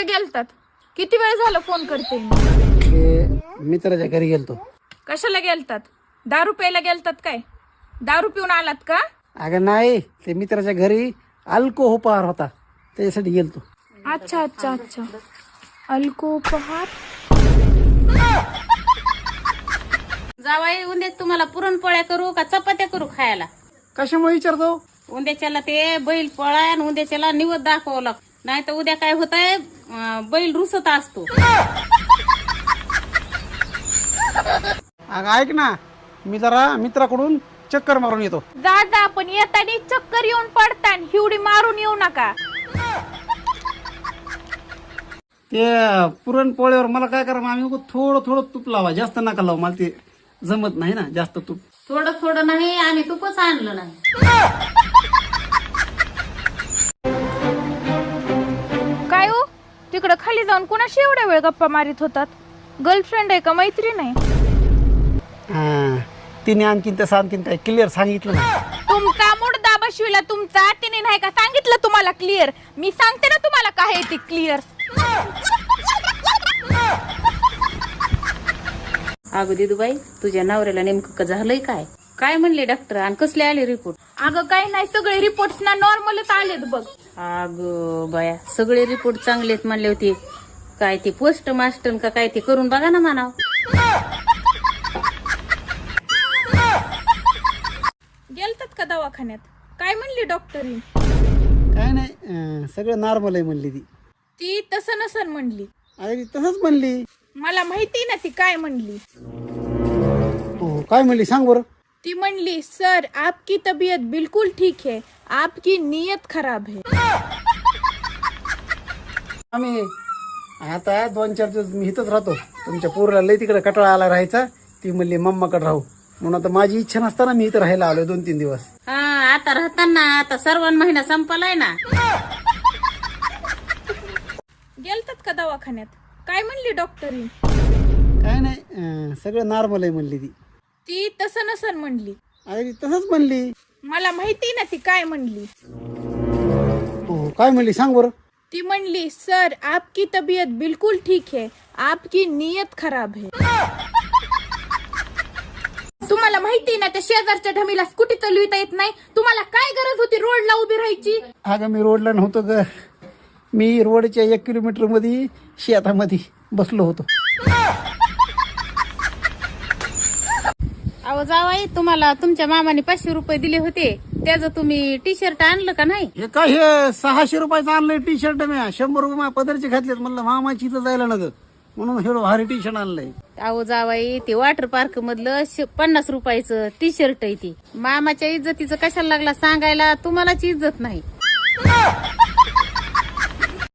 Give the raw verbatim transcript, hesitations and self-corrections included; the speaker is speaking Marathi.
कुठे गेलतात? किती वेळ झाला फोन करते मी. ते मित्राच्या घरी गेलतो. कशाला गेलतात? दारू प्यायला गेलतात काय? दारू पिऊन आलात का? अगं नाही, ते मित्राच्या घरी अल्कोहोपार होता त्याच्यासाठी गेलतो. अच्छा अच्छा अच्छा. अल्कोपहार. जावाई उद्या तुम्हाला पुरणपोळ्या करू का चपात्या करू खायला? कशामुळे विचारतो? उद्याच्याला ते बैल पोळा आणि उद्याच्याला निवद दाखवावं लागतं. नाही तर उद्या काय होत आहे, बैल रुसत असतो. अगं ऐक ना, मी जरा मित्राकडून चक्कर मारून येतो. जा जा, पण येतानी चक्कर येऊन पडता, हिवडी मारून येऊ नका. ते पुरणपोळ्यावर मला काय करा, आम्ही उगाच थोडं थोडं तूप लावा, जास्त नका लावा, मला ते जमत नाही ना जास्त तूप. थोडं थोडं नाही, आम्ही तूपच आणलं नाही. काय हो, तिकडं खाली जाऊन कुणाशी एवढ्या वेळ गप्पा मारित होतात? गर्लफ्रेंड आहे का मैत्रीण आहे? हा, तिने आणखीन तसं आणखीन काय क्लिअर सांगितलं ना. तुमचा मुडदा बसविला तुमचा, तिने नाही का सांगितलं तुम्हाला क्लिअर? मी सांगते ना तुम्हाला काय आहे ते क्लिअर. अगं दिदूबाई, तुझ्या नवऱ्याला नेमकं झालंय काय? काय म्हणले डॉक्टर आणि कसले आले रिपोर्ट? अगं काही नाही, सगळे रिपोर्ट ना नॉर्मलच आलेत बघ. अगं बाया, सगळे रिपोर्ट चांगलेत म्हणले होते. काय ते पोस्ट मास्टर का काय ते करून बघा ना म्हणाव. गेलतात का दवाखान्यात? काय म्हणली डॉक्टरी? काय नाही, अं, सगळं नॉर्मल आहे म्हणली ती. ती तसं नसन म्हणली. अरे ती तसंच म्हणली. मला माहिती ना ती काय म्हणली. हो, काय म्हणली सांग बरं. ती म्हणली, सर आपकी तबीयत बिल्कुल ठीक है, आपकी नीयत खराब है. आम्ही आता दोन चार दिवस मी इथंच राहतो. तुमच्या पोरीला लई तिकडे कटाळा आला राहायचा. ती म्हणली मम्माकडे राहू, म्हणून आता माझी इच्छा नसताना मी इथं राहायला आलोय दोन तीन दिवस. हा, आता राहताना आता सर्वान महिना संपलाय ना. गेलतात का दवाखान्यात? काय म्हणली डॉक्टरी? काय नाही, अं, सगळं नॉर्मल आहे म्हणली ती. ती तसं नसन म्हणली. अरे ती तसंच म्हणली. मला माहिती ना ती काय म्हणली. हो, काय म्हणली सांग बरं. ती म्हणली, सर आपकी तबीयत बिल्कुल ठीक है, आपकी नीयत खराब है. तुम्हाला माहिती ना त्या शेजारच्या ढमीला स्कूटी चालविता येत नाही. तुम्हाला काय गरज होती रोडला उभी राहायची? अगं मी रोडला नव्हतो ग, मी रोडच्या एक किलोमीटर मध्ये शेतामध्ये बसलो होतो. अहो जावाई, तुम्हाला तुमच्या मामाने पाचशे रुपये दिले होते, त्याचं तुम्ही टी शर्ट आणलं का नाही? हे काय हे सहाशे रुपयाचं आणलंय टी शर्ट मी. शंभर रुपये माझ्या पदरचे घातलेत, म्हणलं मामाची इथं जायला नग, म्हणून हे भारी टी शर्ट आणलंय. अहो जावाई, ते वॉटर पार्क मधलं श- पन्नास रुपयाचं टी शर्ट आहे ती. मामाच्या इज्जतीचं कशाला लागला सांगायला? तुम्हालाच इज्जत नाही.